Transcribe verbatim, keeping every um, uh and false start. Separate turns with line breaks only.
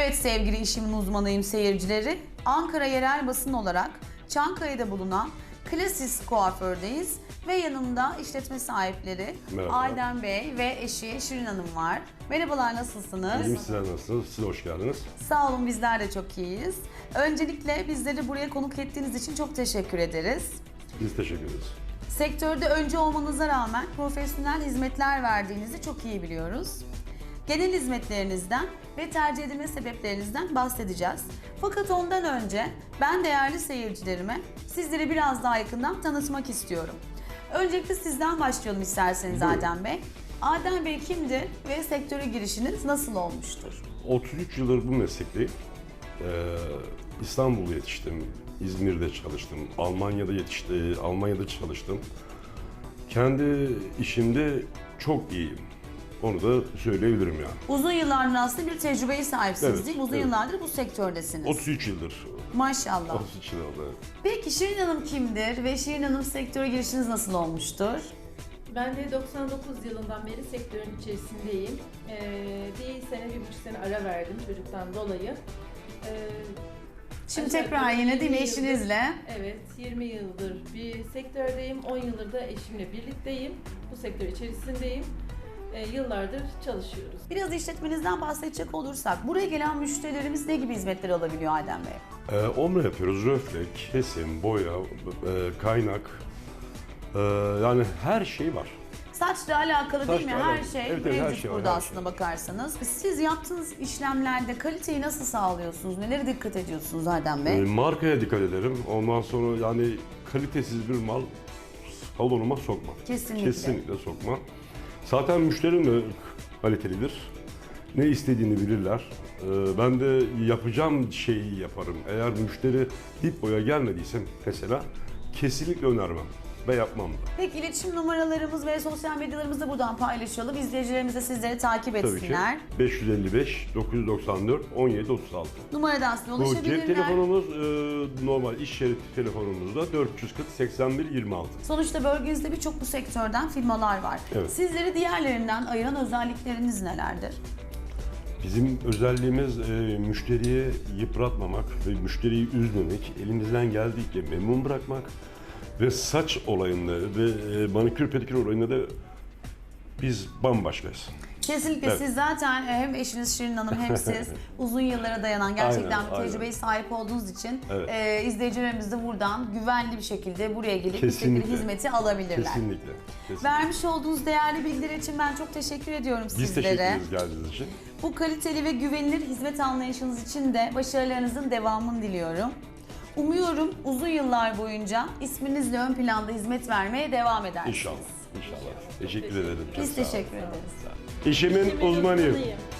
Evet sevgili işimin uzmanıyım seyircileri. Ankara yerel basın olarak Çankaya'da bulunan Klasis Kuaför'deyiz ve yanımda işletme sahipleri
Merhaba.
Adem Bey ve eşi Şirin Hanım var. Merhabalar, nasılsınız?
İyiyim, sizler nasılsınız? Siz hoş geldiniz.
Sağ olun, bizler de çok iyiyiz. Öncelikle bizleri buraya konuk ettiğiniz için çok teşekkür ederiz.
Biz teşekkür ederiz.
Sektörde önce olmanıza rağmen profesyonel hizmetler verdiğinizi çok iyi biliyoruz. Genel hizmetlerinizden ve tercih edilme sebeplerinizden bahsedeceğiz. Fakat ondan önce ben değerli seyircilerime sizleri biraz daha yakından tanıtmak istiyorum. Öncelikle sizden başlayalım isterseniz
Buyurun.
Adem Bey. Adem Bey kimdir ve sektöre girişiniz nasıl olmuştur?
otuz üç yıldır bu meslekteyim. Ee, İstanbul'da yetiştim, İzmir'de çalıştım, Almanya'da yetişti, Almanya'da çalıştım. Kendi işimde çok iyiyim. Onu da söyleyebilirim yani.
Uzun yıllardır aslında bir tecrübeye sahipsiniz
Evet,
değil mi? Uzun
evet.
yıllardır bu sektördesiniz.
otuz üç yıldır.
Maşallah.
otuz üç yıl oldu.
Peki Şirin Hanım kimdir ve Şirin Hanım sektöre girişiniz nasıl olmuştur?
Ben de doksan dokuz yılından beri sektörün içerisindeyim. Ee, bir sene, bir buçuk sene ara verdim çocuktan dolayı. Ee,
Şimdi
aşağı
tekrar
yukarı
yine değil mi
yirmi yıldır-
eşinizle?
Evet, yirmi yıldır bir sektördeyim. on yıldır da eşimle birlikteyim. Bu sektör içerisindeyim. Ee, yıllardır çalışıyoruz.
Biraz işletmenizden bahsedecek olursak, buraya gelen müşterilerimiz ne gibi hizmetler alabiliyor Adem Bey?
Ee, omre yapıyoruz, röfle, kesim, boya, e, kaynak. Ee, yani her şey var.
Saçla alakalı değil mi?
Saçla
Her
alakalı.
şey
Evet, evet, her
mevcut
şey var,
burada
her
aslında
şey.
bakarsanız. Siz yaptığınız işlemlerde kaliteyi nasıl sağlıyorsunuz? Nelere dikkat ediyorsunuz Adem
Ee,
Bey?
markaya dikkat ederim. Ondan sonra yani kalitesiz bir mal salonuma sokma.
Kesinlikle.
Kesinlikle sokma. Zaten müşterim de kalitelidir. Ne istediğini bilirler. Ee, ben de yapacağım şeyi yaparım. Eğer müşteri dip boya gelmediyse mesela kesinlikle önermem ve yapmam da.
Peki iletişim numaralarımız ve sosyal medyalarımızı da buradan paylaşalım. İzleyicilerimiz de sizleri takip
Tabii ki
etsinler.
beş yüz elli beş dokuz yüz doksan dört on yedi otuz altı.
Numaradan size
Bu
ulaşabilirler.
cep telefonumuz e, normal iş yeri telefonumuzda dört yüz kırk seksen bir yirmi altı.
Sonuçta bölgenizde birçok bu sektörden firmalar var.
Evet.
Sizleri diğerlerinden ayıran özellikleriniz nelerdir?
Bizim özelliğimiz e, müşteriyi yıpratmamak ve müşteriyi üzmemek, elimizden geldiğince memnun bırakmak ve saç olayında ve e, manikür pedikür olayında da biz bambaşkayız.
Kesinlikle
Evet.
siz zaten e, hem eşiniz Şirin Hanım hem siz uzun yıllara dayanan gerçekten
Aynen,
bir tecrübeye
aynen.
sahip olduğunuz için
Evet.
e, izleyicilerimiz de buradan güvenli bir şekilde buraya gelip istedikleri
Kesinlikle.
hizmeti alabilirler.
Kesinlikle. kesinlikle.
Vermiş olduğunuz değerli bilgiler için ben çok teşekkür ediyorum
Biz
sizlere.
teşekkür ederiz geldiğiniz için.
Bu kaliteli ve güvenilir hizmet anlayışınız için de başarılarınızın devamını diliyorum. Umuyorum uzun yıllar boyunca isminizle ön planda hizmet vermeye devam edersiniz.
İnşallah. İnşallah. Teşekkür ederim. Çok
Biz
sağ olun.
teşekkür ederiz.
İşimin
Eşimin
uzmanıyım.
uzmanıyım.